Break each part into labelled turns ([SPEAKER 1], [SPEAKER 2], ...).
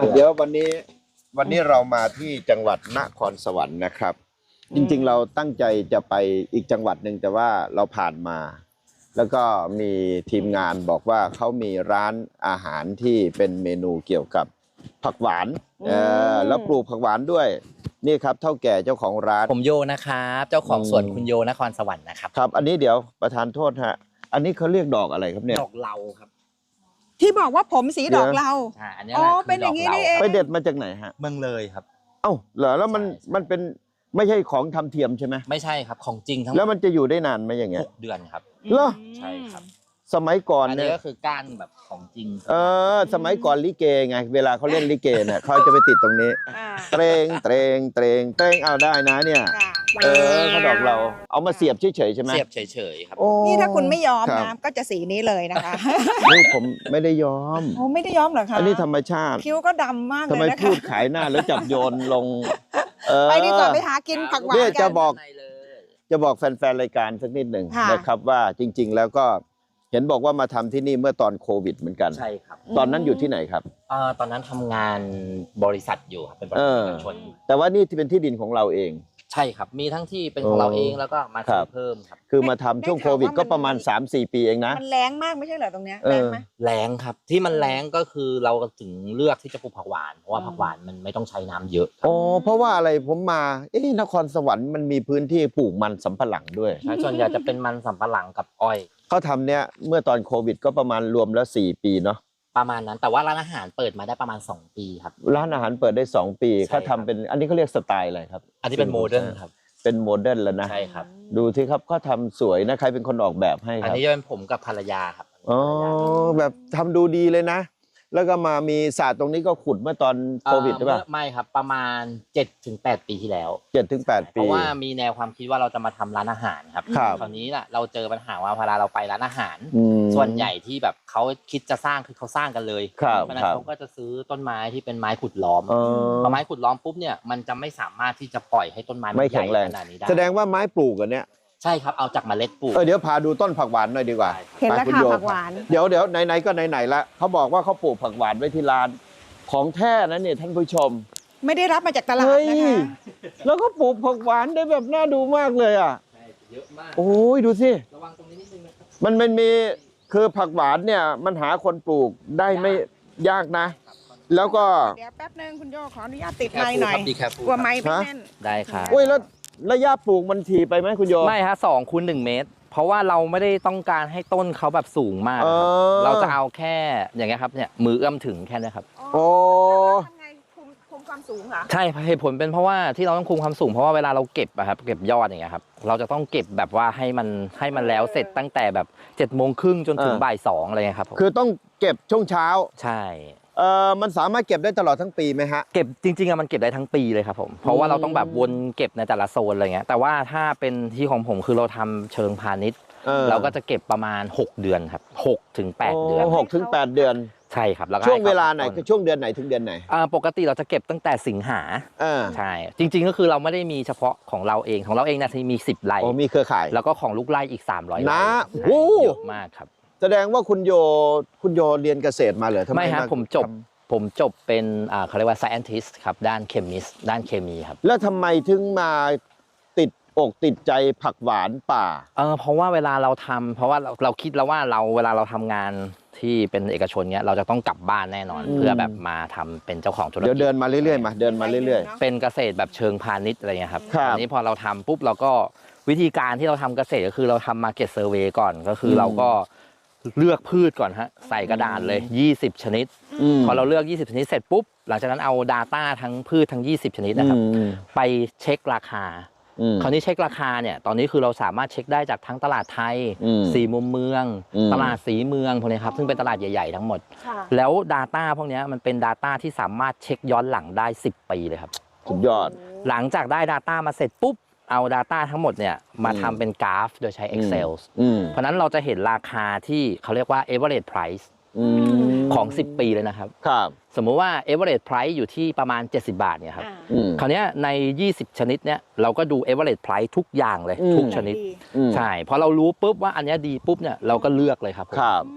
[SPEAKER 1] เดี๋ยววันนี้เรามาที่จังหวัดนครสวรรค์นะครับจริงๆเราตั้งใจจะไปอีกจังหวัดหนึ่งแต่ว่าเราผ่านมา แล้วก็มีทีมงานบอกว่าเขามีร้านอาหารที่เป็นเมนูเกี่ยวกับผักหวานแล้วปลูกผักหวานด้วยนี่ครับเท่าแก่เจ้าของร้าน
[SPEAKER 2] ผมโยนะครับเจ้าของสวนคุณโยนครสวรรค์นะครับ
[SPEAKER 1] ครับอันนี้เดี๋ยวประธานโทษฮะอันนี้เขาเรียกดอกอะไรครับเนี่ย
[SPEAKER 2] ดอกเหลาครับ
[SPEAKER 3] ที่บอกว่าผมสีดอกเหลา
[SPEAKER 2] อันนี้แหละ
[SPEAKER 3] เป็นอย่างนี้นี่เอง
[SPEAKER 1] ไปเด็ดมาจากไหนฮะ
[SPEAKER 2] เมืองเลยครับ
[SPEAKER 1] เอ้าเหรอแล้วมันเป็นไม่ใช่ของทำเทียมใช่ไหม
[SPEAKER 2] ไม่ใช่ครับของจริงทั้ง
[SPEAKER 1] แล้วมันจะอยู่ได้นานไหมอย่างเงี้ย
[SPEAKER 2] 6 เดือนครับ
[SPEAKER 1] เหรอ
[SPEAKER 2] ใช่ครับ
[SPEAKER 1] สมัยก่อน
[SPEAKER 2] อัน
[SPEAKER 1] เนี่
[SPEAKER 2] นี้
[SPEAKER 1] ย
[SPEAKER 2] ก็คือก้านแบบของจริง
[SPEAKER 1] สมัยก่อนลิเกไงเวลาเขาเล่นลิเกเนี่ยเขาจะไปติดตรงนี้เตรงเตรงเตรงเตรงเอาได้นะเนี่ยเขาดอกเราเอามาเสียบเฉยๆใช่ไหม
[SPEAKER 2] เสียบเฉยๆครับ
[SPEAKER 3] นี่ถ้าคุณไม่ยอมนะก็จะสีนี้เลยนะคะ
[SPEAKER 1] นี่ผมไม่ได้ยอม
[SPEAKER 3] โอ้ไม่ได้ยอมเหรอคะ
[SPEAKER 1] อันนี้ธรรมชาติ
[SPEAKER 3] คิ้วก็ดำมากเลย
[SPEAKER 1] นะคะทำไมพูดขายหน้าแล้วจับโยนลง
[SPEAKER 3] ไปดีกว่าไปหากินผักหวาน
[SPEAKER 1] กันจะบอกแฟนๆรายการสักนิดหนึ่งนะครับว่าจริงๆแล้วก็เห็นบอกว่ามาทำที่นี่เมื่อตอนโควิดเหมือนกัน
[SPEAKER 2] ใช่ครับ
[SPEAKER 1] ตอนนั้นอยู่ที่ไหนครับ
[SPEAKER 2] ตอนนั้นทำงานบริษัทอยู่ครับเป็นบริษัทเอกชน
[SPEAKER 1] แต่ว่านี่ที่เป็นที่ดินของเราเอง
[SPEAKER 2] ใช่ครับมีทั้งที่เป็นของเราเองแล้วก็มาซื้อเพิ่มครับ
[SPEAKER 1] คือมาทำช่วงโควิดก็ประมาณ 3-4 ปีเองนะ
[SPEAKER 3] มันแรงมากไม่ใช่เหรอตรงเนี้ยแรงไหม
[SPEAKER 2] แรงครับที่มันแรงก็คือเราถึงเลือกที่จะปลูกผักหวานเพราะว่าผักหวานมันไม่ต้องใช้น้ำเยอะ
[SPEAKER 1] อ๋อเพราะว่าอะไรผมมานครสวรรค์มันมีพื้นที่ปลูกมันสำปะหลังด้วย
[SPEAKER 2] ส่วนใหญ่จะเป็นมันสำปะหลังกับอ้อย
[SPEAKER 1] เขาทำเนี่ยเมื่อตอนโควิดก็ประมาณรวมแล้ว4 ปีเนาะ
[SPEAKER 2] ประมาณนั้นแต่ว่าร้านอาหารเปิดมาได้ประมาณ2 ปีครับ
[SPEAKER 1] ร้านอาหารเปิดได้2 ปีเขาทำเป็นอันนี้เขาเรียกสไตล์อะไรครับ
[SPEAKER 2] อันนี้เป็นโมเดิร์นครับ
[SPEAKER 1] เป็นโมเดิร์นแล้วนะ
[SPEAKER 2] ใช่ครับ
[SPEAKER 1] ดูที่ครับเขาทำสวยนะใครเป็นคนออกแบบให้ครับ
[SPEAKER 2] อันนี้จะเป็นผมกับภรรยาครับ
[SPEAKER 1] อ๋อแบบทำดูดีเลยนะแล้วก็มามีศาสตร์ตรงนี้ก็ขุดเมื่อตอนโควิดใช่ป่ะ
[SPEAKER 2] ไม่ครับประมาณ 7-8 ปีที่แล้ว
[SPEAKER 1] 7-8 ปี
[SPEAKER 2] เพราะว่ามีแนวความคิดว่าเราจะมาทำร้านอาหารครับคราวนี้น่ะเราเจอปัญหาว่าเวลาเราไปร้านอาหารส่วนใหญ่ที่แบบเขาคิดจะสร้างคือเขาสร้างกันเลยเพราะนั้นเขาก็จะซื้อต้นไม้ที่เป็นไม้ขุดล้อมพอไม้ขุดล้อมปุ๊บเนี่ยมันจะไม่สามารถที่จะปล่อยให้ต้นไม้
[SPEAKER 1] ไม่แข็งแรง
[SPEAKER 2] ขนาดนี้ได้
[SPEAKER 1] แสดงว่าไม้ปลูกกันเนี่ย
[SPEAKER 2] ใช่ครับเอาจากเมล็ดปลูก
[SPEAKER 1] เดี๋ยวพาดูต้นผักหวานหน่อยดีกว่า
[SPEAKER 3] เห็นแล้วค่ะผักหวาน
[SPEAKER 1] เดี๋ยวไหนๆก็ไหนๆละเขาบอกว่าเขาปลูกผักหวานไว้ที่ร้านของแท้นะเนี่ยท่านผู้ชม
[SPEAKER 3] ไม่ได้รับมาจากตลาดนะคะ
[SPEAKER 1] แล้วก็ปลูกผักหวานได้แบบน่าดูมากเลยอ่ะ
[SPEAKER 2] เยอะมาก
[SPEAKER 1] โอ้ยดูสิ
[SPEAKER 2] ระวังตรงนี้นิดนึงนะครับ
[SPEAKER 1] มันมีคือผักหวานเนี่ยมันหาคนปลูกได้ไม่ยากนะแล้วก็
[SPEAKER 3] เดี๋ยวแป๊บนึงคุณโยขออนุญาตติดไม้หน่อยกลัวไม้ไม่แน่น
[SPEAKER 2] ได้ครับ
[SPEAKER 1] อุ้ยแล้วระยะปลูกมันถี่ไปไหมคุณโย
[SPEAKER 2] ไม่ฮะ2x1 เมตรเพราะว่าเราไม่ได้ต้องการให้ต้นเขาแบบสูงมากเราจะเอาแค่อย่างเงี้ยครับเนี่ยมือเอื้อมถึงแค่นี้ครับ
[SPEAKER 1] โอ้
[SPEAKER 3] ทำไงคุมความสูงเหรอ
[SPEAKER 2] ใช่เหตุผลเป็นเพราะว่าที่เราต้องคุมความสูงเพราะว่าเวลาเราเก็บอะครับเก็บยอดอย่างเงี้ยครับเราจะต้องเก็บแบบว่าให้มันแล้วเสร็จตั้งแต่แบบ7:30จนถึงบ่าย 2อะไรเงี้ยครับ
[SPEAKER 1] คือต้องเก็บช่วงเช้า
[SPEAKER 2] ใช่
[SPEAKER 1] มันสามารถเก็บได้ตลอดทั้งปีไหมฮะ
[SPEAKER 2] เก็บจริงๆมันเก็บได้ทั้งปีเลยครับผมเพราะว่าเราต้องแบบวนเก็บในแต่ละโซนอะไรเงี้ยแต่ว่าถ้าเป็นที่ของผมคือเราทำเชิงพาณิชย์เราก็จะเก็บประมาณ6 เดือนครับ6-8 เดือน
[SPEAKER 1] 6-8 เดือน
[SPEAKER 2] ใช่ครับแล้ว
[SPEAKER 1] ช่วงเวลาไหนคือช่วงเดือนไหนถึงเดือนไหน
[SPEAKER 2] ปกติเราจะเก็บตั้งแต่สิงหาใช่จริงๆก็คือเราไม่ได้มีเฉพาะของเราเองนะที่มี10 ไร่
[SPEAKER 1] มีเครือข่าย
[SPEAKER 2] แล้วก็ของลูกไร่อีก300 ไร่
[SPEAKER 1] นะ
[SPEAKER 2] เยอะมากครับ
[SPEAKER 1] แสดงว่าคุณโยเรียนเกษตรมาเหรอ
[SPEAKER 2] ไม่ครับผมจบเป็นเขาเรียกว่า scientist ครับด้าน chemist ด้านเคมีครับ
[SPEAKER 1] แล้วทำไมถึงมาติดอกติดใจผักหวานป่า
[SPEAKER 2] เพราะว่าเวลาเราทำเพราะว่าเราคิดแล้วว่าเวลาเราทำงานที่เป็นเอกชนเนี้ยเราจะต้องกลับบ้านแน่นอนเพื่อแบบมาทำเป็นเจ้าของธุรกิจ
[SPEAKER 1] เดี๋ยวเดินมาเรื่อยๆเดินมาเรื่อย
[SPEAKER 2] ๆเป็นเกษตรแบบเชิงพาณิชย์อะไรเงี้ยครับ
[SPEAKER 1] อั
[SPEAKER 2] นนี้พอเราทำปุ๊บเราก็วิธีการที่เราทำเกษตรก็คือเราทำ market survey ก่อนก็คือเราก็เลือกพืชก่อนฮะใส่กระดาษเลย20 ชนิดพอเราเลือก20 ชนิดเสร็จปุ๊บหลังจากนั้นเอา Data ทั้งพืชทั้ง20 ชนิดนะครับไปเช็คราคาคราวนี้เช็คราคาเนี่ยตอนนี้คือเราสามารถเช็คได้จากทั้งตลาดไทย4 มุมเมืองตลาดสีเมืองพวกนี้ครับซึ่งเป็นตลาดใหญ่ๆทั้งหมดแล้ว Data พวกนี้มันเป็น Data ที่สามารถเช็คย้อนหลังได้10 ปีเลยครับ
[SPEAKER 1] สุดยอด
[SPEAKER 2] หลังจากได้ Data มาเสร็จปุ๊บเอา Data ทั้งหมดเนี่ยมาทำเป็นกราฟโดยใช้ Excel เพราะนั้นเราจะเห็นราคาที่เขาเรียกว่า average price ของ10 ปีเลยนะครับสมมุติว่า average price อยู่ที่ประมาณ70 บาทเนี่ยครับคราวนี้ใน20 ชนิดเนี่ยเราก็ดู average price ทุกอย่างเลยทุกชนิดใช่พอเรารู้ปุ๊บว่าอันนี้ดีปุ๊บเนี่ยเราก็เลือกเลยครับ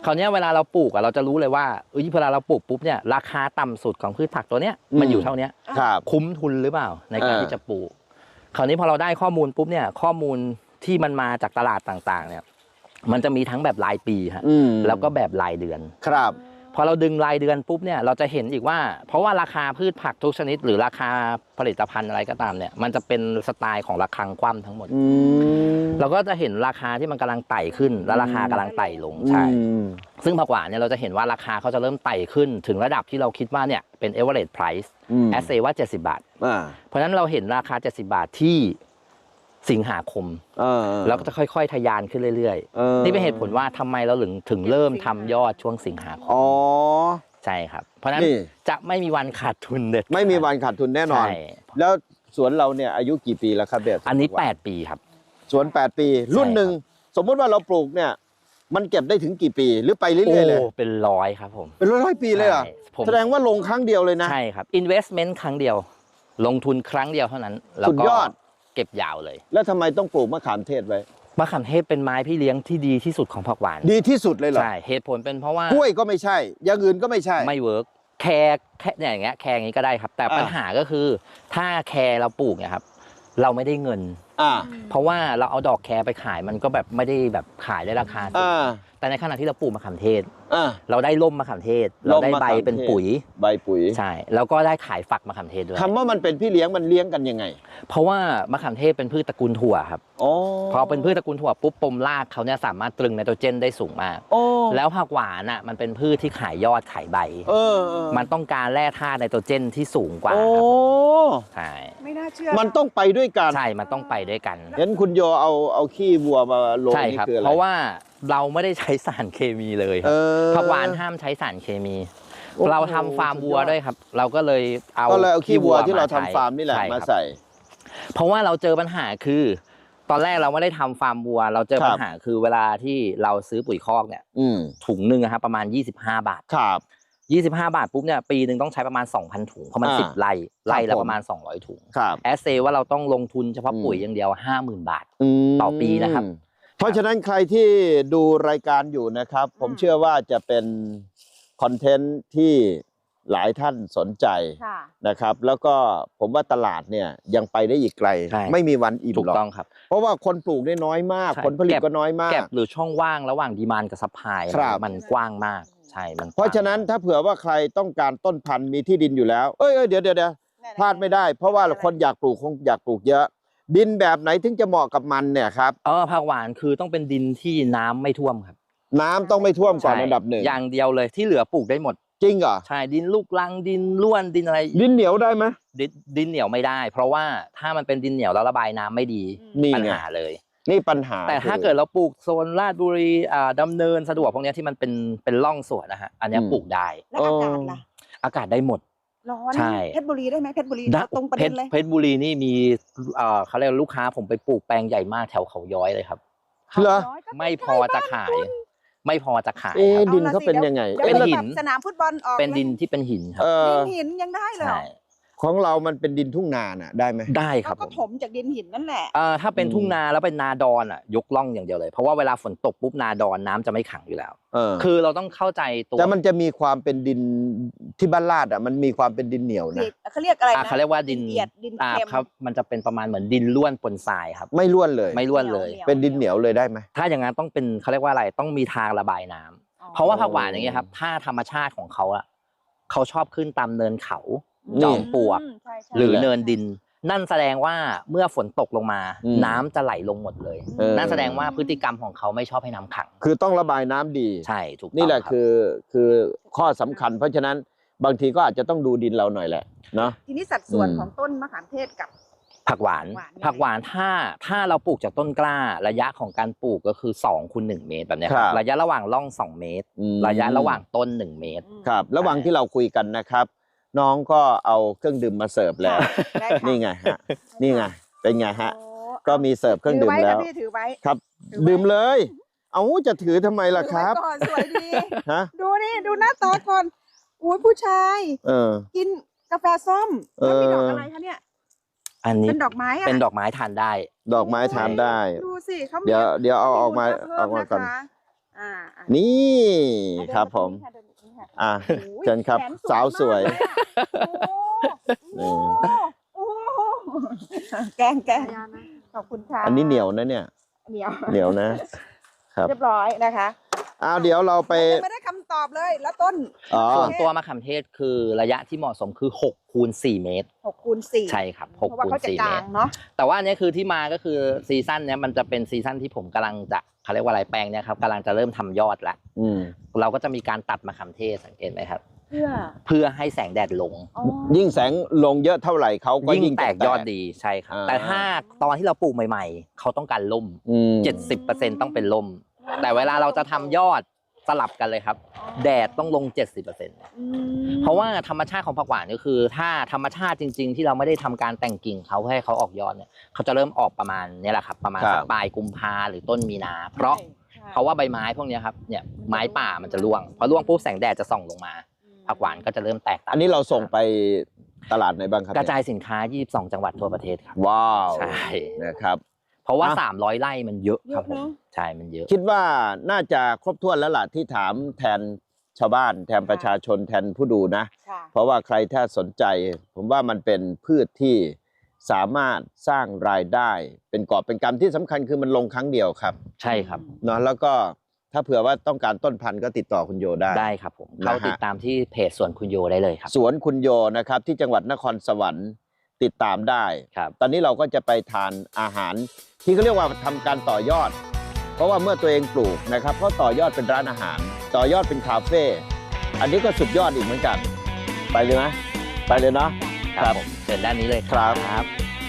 [SPEAKER 2] คราวเนี้ยเวลาเราปลูกอะเราจะรู้เลยว่าเวลาเราปลูกปุ๊บเนี่ยราคาต่ำสุดของพืชผักตัวเนี้ยมันอยู่เท่าเนี้ย
[SPEAKER 1] ครับ
[SPEAKER 2] คุ้มทุนหรือเปล่าในการที่จะปลูกคราวนี้พอเราได้ข้อมูลปุ๊บเนี่ยข้อมูลที่มันมาจากตลาดต่างๆเนี่ยมันจะมีทั้งแบบรายปีฮะแล้วก็แบบรายเดือน
[SPEAKER 1] ครับ
[SPEAKER 2] พอเราดึงรายเดือนปุ๊บเนี่ยเราจะเห็นอีกว่าเพราะว่าราคาพืชผักทุกชนิดหรือราคาผลิตภัณฑ์อะไรก็ตามเนี่ยมันจะเป็นสไตล์ของระฆังคว่ำทั้งหมดเราก็จะเห็นราคาที่มันกำลังไต่ขึ้นและราคากำลังไต่ลงใช่ซึ่งผักหวานเนี่ยเราจะเห็นว่าราคาเขาจะเริ่มไต่ขึ้นถึงระดับที่เราคิดว่าเนี่ยเป็น average price แอสเซว่า70 บาทเพราะฉะนั้นเราเห็นราคา70 บาทที่สิงหาคมแล้วก็จะค่อยๆทะยานขึ้นเรื่อยๆนี่เป็นเหตุผลว่าทำไมเราถึงเริ่มทำยอดช่วงสิงหาคมใช่ครับเพราะฉะนั้นจะไม่มีวันขาดทุนเด็ด
[SPEAKER 1] ไม่มีวันขาดทุนแน่นอนแล้วสวนเราเนี่ยอายุกี่ปีแล้วครับเด็ด
[SPEAKER 2] อันนี้8 ปีครับ
[SPEAKER 1] สวน8 ปีรุ่นหนึ่งสมมติว่าเราปลูกเนี่ยมันเก็บได้ถึงกี่ปีหรือไปเรื่อยๆเลย
[SPEAKER 2] เป็น100ครับผม
[SPEAKER 1] เป็น100 ปีเลยเหรอแสดงว่าลงครั้งเดียวเลยนะ
[SPEAKER 2] ใช่ครับ investment ครั้งเดียวลงทุนครั้งเดียวเท่านั้นแล้วก็เก็บยาวเลย
[SPEAKER 1] แล้วทำไมต้องปลูกมะขามเทศไว้
[SPEAKER 2] มะขามเทศเป็นไม้พี่เลี้ยงที่ดีที่สุดของผักหวาน
[SPEAKER 1] ดีที่สุดเลยเหรอ
[SPEAKER 2] ใช่เหตุผลเป็นเพราะว่าก
[SPEAKER 1] ล้วยก็ไม่ใช่อย่างอื่นก็ไม่ใช่
[SPEAKER 2] ไม่เวิร์กแคเนี่ยอย่างเงี้ยแคอย่างนี้ก็ได้ครับแต่ปัญหาก็คือถ้าแคเราปลูกเนี่ยครับเราไม่ได้เงินเพราะว่าเราเอาดอกแคไปขายมันก็แบบไม่ได้แบบขายได้ราคาสูงแต่ในขณะที่เราปลูกมะขามเทศเราได้ร่มมะขามเทศเราได้ใบเป็นปุ๋ย
[SPEAKER 1] ใบปุ๋ย
[SPEAKER 2] ใช่แล้วก็ได้ขายฝักมะขามเทศด้วย
[SPEAKER 1] คำว่ามันเป็นพี่เลี้ยงมันเลี้ยงกันยังไง
[SPEAKER 2] เพราะว่ามะขามเทศเป็นพืชตระกูลถั่วครับพอเป็นพืชตระกูลถั่วปุ๊บปมรากเขาเนี่ยสามารถตรึงไนโตรเจนได้สูงมากแล้วผักหวานอ่ะมันเป็นพืชที่ขายยอดขายใบมันต้องการแร่ธาตุไนโตรเจนที่สูงกว่าใช่
[SPEAKER 3] ไม่น่าเชื่อ
[SPEAKER 1] มันต้องไปด้วยกัน
[SPEAKER 2] ใช่มันต้องไปด้วยกัน
[SPEAKER 1] เห็นคุณโยเอาขี้วัวมาลงนี่คืออะไร
[SPEAKER 2] เพราะว่าเราไม่ได้ใช้สารเคมีเลยผักหวานห้ามใช้สารเคมีเราทำฟาร์มวัวด้วยครับเราก็เลยเอา
[SPEAKER 1] ขี้วัวที่เราทำฟาร์มนี่แหละมาใส่
[SPEAKER 2] เพราะว่าเราเจอปัญหาคือตอนแรกเราไม่ได้ทำฟาร์มวัวเราเจอปัญหาคือเวลาที่เราซื้อปุ๋ยคอกเนี่ยถุงนึงนะครับประมาณ25 บาท
[SPEAKER 1] ครับ
[SPEAKER 2] 25 บาทปุ๊บเนี่ยปีนึงต้องใช้ประมาณ 2,000 ถุงเพราะมัน10 ไร่ละประมาณ200 ถุงแอสเซว่าเราต้องลงทุนเฉพาะปุ๋ยอย่างเดียว 50,000 บาทต่อปีนะครับ
[SPEAKER 1] เพราะฉะนั้นใครที่ดูรายการอยู่นะครับผมเชื่อว่าจะเป็นคอนเทนต์ที่หลายท่านสนใจนะครับแล้วก็ผมว่าตลาดเนี่ยยังไปได้อีกไกลไม่มีวันอิ่มหรอกถู
[SPEAKER 2] กต้องครับ
[SPEAKER 1] เพราะว่าคนปลูกได้น้อยมากผลผลิตก็น้อยมาก
[SPEAKER 2] แก็บหรือช่องว่างระหว่างดีมานด์กับซัพพลายมันกว้างมากใช่มัน
[SPEAKER 1] เพราะฉะนั้นถ้าเผื่อว่าใครต้องการต้นพันธุ์มีที่ดินอยู่แล้วเดี๋ยวพลาดไม่ได้เพราะว่าคนอยากปลูกคงอยากปลูกเยอะดินแบบไหนถึงจะเหมาะกับมันเนี่ยครับ
[SPEAKER 2] ผักหวานคือต้องเป็นดินที่น้ำไม่ท่วมครับ
[SPEAKER 1] น้ำต้องไม่ท่วมก่อนอันดับหนึ่ง
[SPEAKER 2] อย่างเดียวเลยที่เหลือปลูกได้หมด
[SPEAKER 1] จริงเหรอ
[SPEAKER 2] ใช่ดินลูกรังดินล้วนดินอะไร
[SPEAKER 1] ดินเหนียวได้ไหม
[SPEAKER 2] ดินเหนียวไม่ได้เพราะว่าถ้ามันเป็นดินเหนียวแล้วระบายน้ำไม่ดีปัญหาเลย
[SPEAKER 1] นี่ปัญหา
[SPEAKER 2] แต่ถ้าเกิดเราปลูกโซนลาดบุรีดำเนินสะดวกพวกนี้ที่มันเป็นร่องสวนนะฮะอันนี้ปลูกได้
[SPEAKER 3] แล้วอากาศล่ะ
[SPEAKER 2] อากาศได้หมด
[SPEAKER 3] ร้อนเพชรบุรีได้ไหมเพชรบุรีตรงประเด็นเลย
[SPEAKER 2] เพชรบุรีนี่มีเขาเรียกลูกค้าผมไปปลูกแปลงใหญ่มากแถวเขาย้อยเลยครับ
[SPEAKER 1] เหรอ
[SPEAKER 2] ไม่พอจะขายไม่พอจะขาย
[SPEAKER 1] ดินเขาเป็นยังไง
[SPEAKER 3] เป็นหินสนามฟุตบอลออก
[SPEAKER 2] เป็นดินที่เป็นหินครับ
[SPEAKER 3] ดินหินยังได้เลย
[SPEAKER 1] ของเรามันเป็นดินทุ่งนาน่ะได้ไหม
[SPEAKER 2] ได้ครับ
[SPEAKER 3] ก็ถมจากดินหินนั่นแหละ
[SPEAKER 2] ถ้าเป็นทุ่งนาแล้วเป็นนาดอนยกล่องอย่างเดียวเลยเพราะว่าเวลาฝนตกปุ๊บนาดอนน้ำจะไม่ขังอยู่แล้วคือเราต้องเข้าใจตัว
[SPEAKER 1] แต่มันจะมีความเป็นดินที่บ้านลาดมันมีความเป็นดินเหนียวนะ
[SPEAKER 3] เขาเรียกอะไรนะ
[SPEAKER 2] เขาเรียกว่าดินครับมันจะเป็นประมาณเหมือนดินล้วนปนทรายครับ
[SPEAKER 1] ไม่ล้วนเลย
[SPEAKER 2] ไม่ล้วนเลย
[SPEAKER 1] เป็นดินเหนียวเลยได้ไหม
[SPEAKER 2] ถ้าอย่างนั้นต้องเป็นเขาเรียกว่าอะไรต้องมีทางระบายน้ำเพราะว่าผักหวานอย่างเงี้ยครับถ้าธรรมชาติของเขาเขาชอบขึ้นตามเนินเขาจอมปลวกหรือเนินดินนั่นแสดงว่าเมื่อฝนตกลงมาน้ำจะไหลลงหมดเลยนั่นแสดงว่าพฤติกรรมของเขาไม่ชอบให้น้ำขัง
[SPEAKER 1] คือต้องระบายน้ำดี
[SPEAKER 2] ใช่ถูกต้อง
[SPEAKER 1] นี่แหละคือข้อสำคัญเพราะฉะนั้นบางทีก็อาจจะต้องดูดินเราหน่อยแหละเนาะ
[SPEAKER 3] ทีนี้สัดส่วนของต้นมะขามเทศกับ
[SPEAKER 2] ผักหวานถ้าเราปลูกจากต้นกล้าระยะของการปลูกก็คือ2 คูณ 1 เมตรแบบนี้ครับระยะระหว่างร่อง2 เมตรระยะระหว่างต้น1 เมตร
[SPEAKER 1] ครับระหว่างที่เราคุยกันนะครับน้องก็เอาเครื่องดื่มมาเสิร์ฟแล้วนี่ไงฮะนี่ไงเป็นไงฮะก็มีเสิร์ฟเครื่องดื่มแล้วครับดื่มเลยเอาจะถือทำไมล่ะครับ
[SPEAKER 3] สวยดีดูนี่ดูหน้าตาก่อนอุ้ยผู้ชายกินกาแฟส้มแล้วมีดอกอะไรคะเนี่ย
[SPEAKER 2] อันนี้
[SPEAKER 3] เป็นดอกไม้
[SPEAKER 2] เป็นดอกไม้ทานได้
[SPEAKER 1] ดอกไม้ทานได้
[SPEAKER 3] ดูสิเขา
[SPEAKER 1] เดี๋ยวเอาออกมาก่อน
[SPEAKER 3] อ่า
[SPEAKER 1] นี่ครับผม
[SPEAKER 3] เดินไปค่ะ
[SPEAKER 1] อ่ะ
[SPEAKER 3] โอ้ย
[SPEAKER 1] เชิญครับ
[SPEAKER 3] แขน
[SPEAKER 1] สาวสวย
[SPEAKER 3] มากเลยอะโอ้โหแกงขอบคุณค่ะ
[SPEAKER 1] อันนี้เหนียวนะเนี่ย
[SPEAKER 3] เหนียว
[SPEAKER 1] เหนียวนะครับ
[SPEAKER 3] เรียบร้อยนะคะ
[SPEAKER 1] อ้าวเดี๋ยวเราไป
[SPEAKER 3] ยังไม่ได้คำตอบเลยแล้วต้น
[SPEAKER 1] อ๋อ
[SPEAKER 2] ส่วนตัวมะขามเทศคือระยะที่เหมาะสมคือ6 คูณ 4 เมตร
[SPEAKER 3] 6 คูณ 4
[SPEAKER 2] ใช่ครับ
[SPEAKER 3] เพราะ
[SPEAKER 2] 6
[SPEAKER 3] ว่า
[SPEAKER 2] คูณ
[SPEAKER 3] เขาจะ
[SPEAKER 2] 4
[SPEAKER 3] ก
[SPEAKER 2] เม
[SPEAKER 3] ลา
[SPEAKER 2] ต
[SPEAKER 3] ง
[SPEAKER 2] ร
[SPEAKER 3] เนาะ
[SPEAKER 2] แต่ว่าอันนี้คือที่มาก็คือซีซั่นเนี้ยมันจะเป็นซีซั่นที่ผมกำลังจะเขาเรียกว่าอะไรแปลงเนี่ยครับกำลังจะเริ่มทำยอดแล้ว
[SPEAKER 1] อืม
[SPEAKER 2] เราก็จะมีการตัดมะขามเทศสังเกตไหมครับ
[SPEAKER 3] เพื่อ
[SPEAKER 2] เพื่อให้แสงแดดลง
[SPEAKER 3] อ๋อ
[SPEAKER 1] ยิ่งแสงลงเยอะเท่าไหร่เขาก็
[SPEAKER 2] ยิ่
[SPEAKER 1] ยิ่
[SPEAKER 2] ง
[SPEAKER 1] ง
[SPEAKER 2] แตกยอดดีใช่ครับ
[SPEAKER 1] อ่า
[SPEAKER 2] แต่ถ้าตอนที่เราปลูกใหม่ๆ เขาต้องการล่ม
[SPEAKER 1] อืม
[SPEAKER 2] 70%ต้องเป็นล่ม แต่เวลาเราจะทำยอดสลับกันเลยครับ แดดต้องลง 70% เพราะว่าธรรมชาติของผักหวานก็คือ ถ้าธรรมชาติจริง ๆ ที่เราไม่ได้ทำการแต่งกิ่งเขาให้เขาออกยอดเนี่ยเขาจะเริ่มออกประมาณเนี้แหละครับประมาณสักปลายกุมภาหรือต้นมีนา เพราะว่าใบไม้พวกเนี้ยครับเนี่ยไม้ป่ามันจะร่วงพอร่วงปุ๊บแสงแดดจะส่องลงมาผักหวานก็จะเริ่มแตกตาม
[SPEAKER 1] อันนี้เราส่งไปตลาดไหนบ้างครับ
[SPEAKER 2] กระจายสินค้า 22 จังหวัดทั่วประเทศครับ
[SPEAKER 1] ว้าว
[SPEAKER 2] ใช่
[SPEAKER 1] นะครับ
[SPEAKER 2] เพราะว่า
[SPEAKER 1] อ่ะ
[SPEAKER 2] 300 ไร่มันเยอะครับผม
[SPEAKER 3] เยอะเนอะ
[SPEAKER 2] ใช่มันเยอะ
[SPEAKER 1] คิดว่าน่าจะครบถ้วนแล้วล่ะที่ถามแทนชาวบ้านแทนประชาชนแทนผู้ดูนะ
[SPEAKER 3] ค่ะ
[SPEAKER 1] เพราะว่าใครถ้าสนใจ ผมว่ามันเป็นพืชที่สามารถสร้างรายได้ เป็นกอบเป็นกำที่สำคัญคือมันลงครั้งเดียวครับ
[SPEAKER 2] ใช่ครับ
[SPEAKER 1] เนาะแล้วก็ถ้าเผื่อว่าต้องการต้นพันธุ์ก็ติดต่อคุณโยได้
[SPEAKER 2] ได้ครับผม
[SPEAKER 1] นะฮะ
[SPEAKER 2] เข้าติดตามที่เพจสวนคุณโยได้เลยครับ
[SPEAKER 1] สวนคุณโยนะครับที่จังหวัดนครสวรรค์ติดตามได้
[SPEAKER 2] ครับ
[SPEAKER 1] ตอนนี้เราก็จะไปทานอาหารที่เขาเรียกว่าทำการต่อยอด เพราะว่าเมื่อตัวเองปลูกนะครับก็ต่อยอดเป็นร้านอาหาร ต่อยอดเป็นคาเฟ่อันนี้ก็สุดยอดอีกเหมือนกัน ไปเลยไหมไปเลยเนาะ
[SPEAKER 2] ครับผมเชิญด้านนี้เลย
[SPEAKER 1] ครับ
[SPEAKER 2] ครับ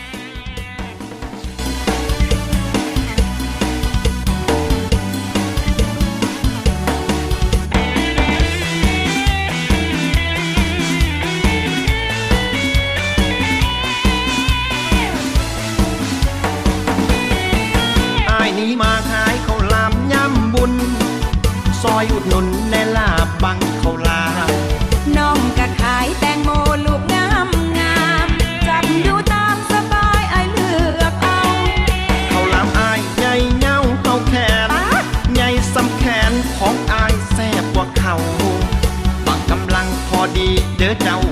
[SPEAKER 4] อ้ายนี้มาขายข้าวหลามย่ำบุญ ซอยอุดหนุนแน่ลาบบังข้าวหลาม
[SPEAKER 5] น้องก็ขายแตงโมลูกงามงามจับดูตามสบายไอายเลือกเอา
[SPEAKER 4] ข้าวหลามอ้ายใหญ่เงาเข้าแขน ใหญ่สำแขนของอ้ายแซ่บกว่าเขาบางกำลังพอดีเด้อเจ้า